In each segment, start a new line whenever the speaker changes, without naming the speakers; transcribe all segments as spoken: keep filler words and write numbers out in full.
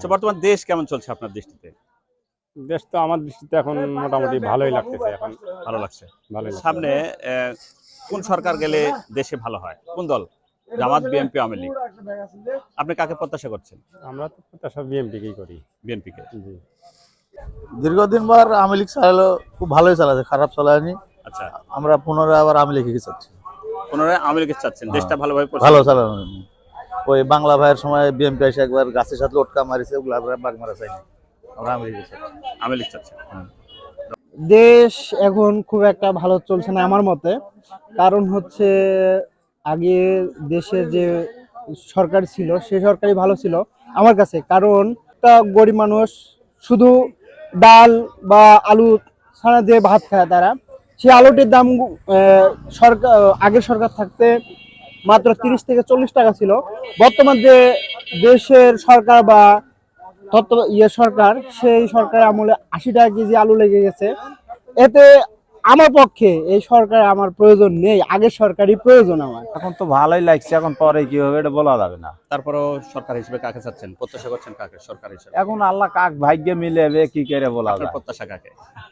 আচ্ছা, বর্তমান দেশ কেমন চলছে আপনার দৃষ্টিতে?
দেশ তো আমার দৃষ্টিতে এখন মোটামুটি ভালোই লাগতেছে। এখন
ভালো লাগছে।
ভালোই লাগছে।
সামনে আহ, কোন সরকার গেলে দেশে ভালো হয়? কোন দল? জামাত, বিএনপি, আওয়ামী লীগ? আপনি কাকে প্রত্যাশা করছেন?
আমরা তো প্রত্যাশা বিএনপিকেই করি।
বিএনপি কে?
জি।
দীর্ঘদিন পর আওয়ামী লীগ চালালো, খুব ভালোই চালাচ্ছে, খারাপ চালায়নি।
আচ্ছা,
আমরা পুনরায় আবার আওয়ামী লীগকে চাচ্ছি।
পুনরায় আওয়ামী লীগ চাচ্ছেন, দেশটা ভালোভাবে
ভালো
পরিচালনা করবে।
চালানো। ওই বাংলা ভাইয়ের সময় বিএনপি এসে একবার গাছের সাথে লটকা মারিছে, ওগুলো আমরা বাগ মারা চাইনি। আমরা আওয়ামী লীগকে চাচ্ছি।
আওয়ামী লীগ চাচ্ছেন।
দেশ এখন খুব একটা ভালো চলছে না আমার মতে। কারণ হচ্ছে আগে দেশের যে সরকার ছিল সে সরকারই ভালো ছিল আমার কাছে। কারণ একটা গরিব মানুষ শুধু ডাল বা আলু ছাড়া দিয়ে ভাত খায় তারা, সেই আলুটির দাম আহ, সরকার আগের সরকার থাকতে মাত্র তিরিশ থেকে চল্লিশ টাকা ছিল। বর্তমান যে দেশের সরকার বা তত্ত্ব ইয়ে সরকার, সেই সরকারের আমলে আশি টাকা কেজি আলু লেগে গেছে। এতে আমার পক্ষে এই সরকার আমার প্রয়োজন নেই, আগের সরকারই প্রয়োজন আমার।
এখন তো ভালোই লাগছে, এখন পরে কি হবে এটা বলা যাবে না।
তারপরেও সরকার হিসেবে কাকে চাচ্ছেন? প্রত্যাশা করছেন কাকে সরকার হিসেবে?
এখন আল্লাহ কাক ভাগ্যে মিলেবে কি করে বলা
আপনার
যায়।
প্রত্যাশা কাকে?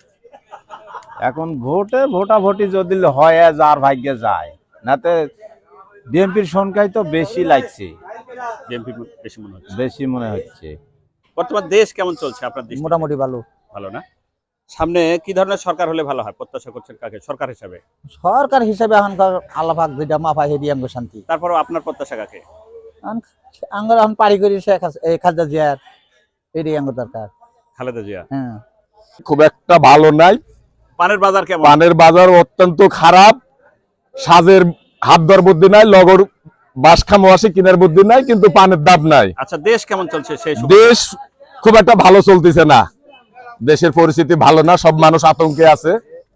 এখন ভোটে ভোটাভুটি যদি হয় যার ভাগ্যে যায়, নাতে বিএনপির সংখ্যাই তো বেশি লাগছে,
বিএনপি বেশি মনে হচ্ছে।
বেশি মনে হচ্ছে।
বর্তমান দেশ কেমন চলছে আপনার দৃষ্টিতে?
মোটামুটি ভালো।
ভালো না? সামনে কি ধরনের সরকার হলে ভালো হয়? প্রত্যাশা করছেন কাকে সরকার হিসেবে?
সরকার হিসাবে এখনকার আল্লাহ পাক যেটা মাফা হেদি আঙ্গ শান্তি।
তারপরেও আপনার প্রত্যাশা কাকে?
আঙ্গর এখন পারি করি শেখ খালেদা জিয়ার, এটাই আঙ্গ দরকার।
খালেদা জিয়া।
হ্যাঁ,
খুব একটা ভালো নাই।
পানের বাজার কেমন?
পানের বাজার অত্যন্ত খারাপ। সাজের হাত ধর বুদ্ধি নাই, লগর বাস খামো আসে কিনার বুদ্ধি নাই, কিন্তু পানের দাম নাই।
আচ্ছা, দেশ কেমন চলছে সেই সময়?
দেশ খুব একটা ভালো চলতেছে না, দেশের পরিস্থিতি ভালো না, সব মানুষ আতঙ্কে আছে।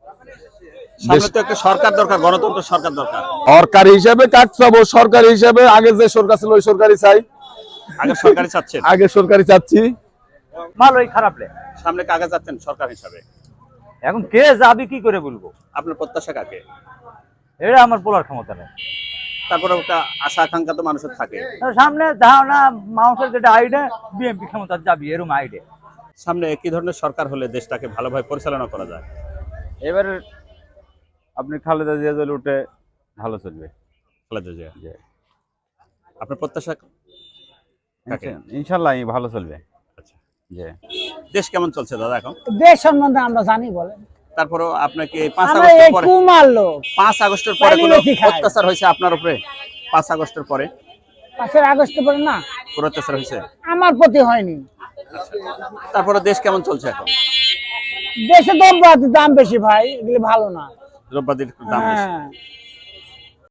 সামনে তো একটা সরকার দরকার, গণতন্ত্র সরকার দরকার।
সরকারি হিসাবে কাজ চাবো, সরকারি হিসাবে আগে যে সরকার ছিল ওই সরকারি চাই।
আগে সরকারি চাচ্ছেন?
আগে সরকারি চাচ্ছি।
ভালোই খারাপ লে
সামনে কাকে চাচ্ছেন সরকার হিসাবে?
এখন কে যাবে কি করে বলবো,
আপনার প্রত্যাশা কাকে?
এটা আমার বলার ক্ষমতা নেই।
তারপরে একটা আশা আকাঙ্ক্ষা তো মানুষের থাকে।
সামনে ধারণা মানুষের যেটা আইডিয়া বিএনপি ক্ষমতা যাবি এরকম আইডিয়া।
সামনে কি ধরনের সরকার হলে দেশটাকে ভালোভাবে পরিচালনা করা যায়?
এবার আপনি খালেদা জিয়া যদি উঠে ভালো চলবে।
খালেদা জিয়া। আপনার প্রত্যাশা কাকে?
ইনশাল্লাহ ভালো চলবে।
আচ্ছা, দেশ কেমন চলছে দাদা এখন?
দেশ সম্বন্ধে আমরা জানি বলেন,
তারপরেও আপনাকে পাঁচ
আমরা
আগস্টের
এই
পরে
কুমার লোক।
পাঁচ আগস্টের পরে কোনো
পাইলি খায়।
অত্যাচার হয়েছে আপনার উপরে? পাঁচ আগস্টের পরে
পাঁচের আগস্ট পরে না
কোনো অত্যাচার হয়েছে?
আমার প্রতি হয়নি।
তারপরে দেশ কেমন চলছে এখন?
দেশে দ্রব্যাদির দাম বেশি ভাই, এগুলি ভালো না।
দ্রব্যাদির দাম বেশি।
হ্যাঁ,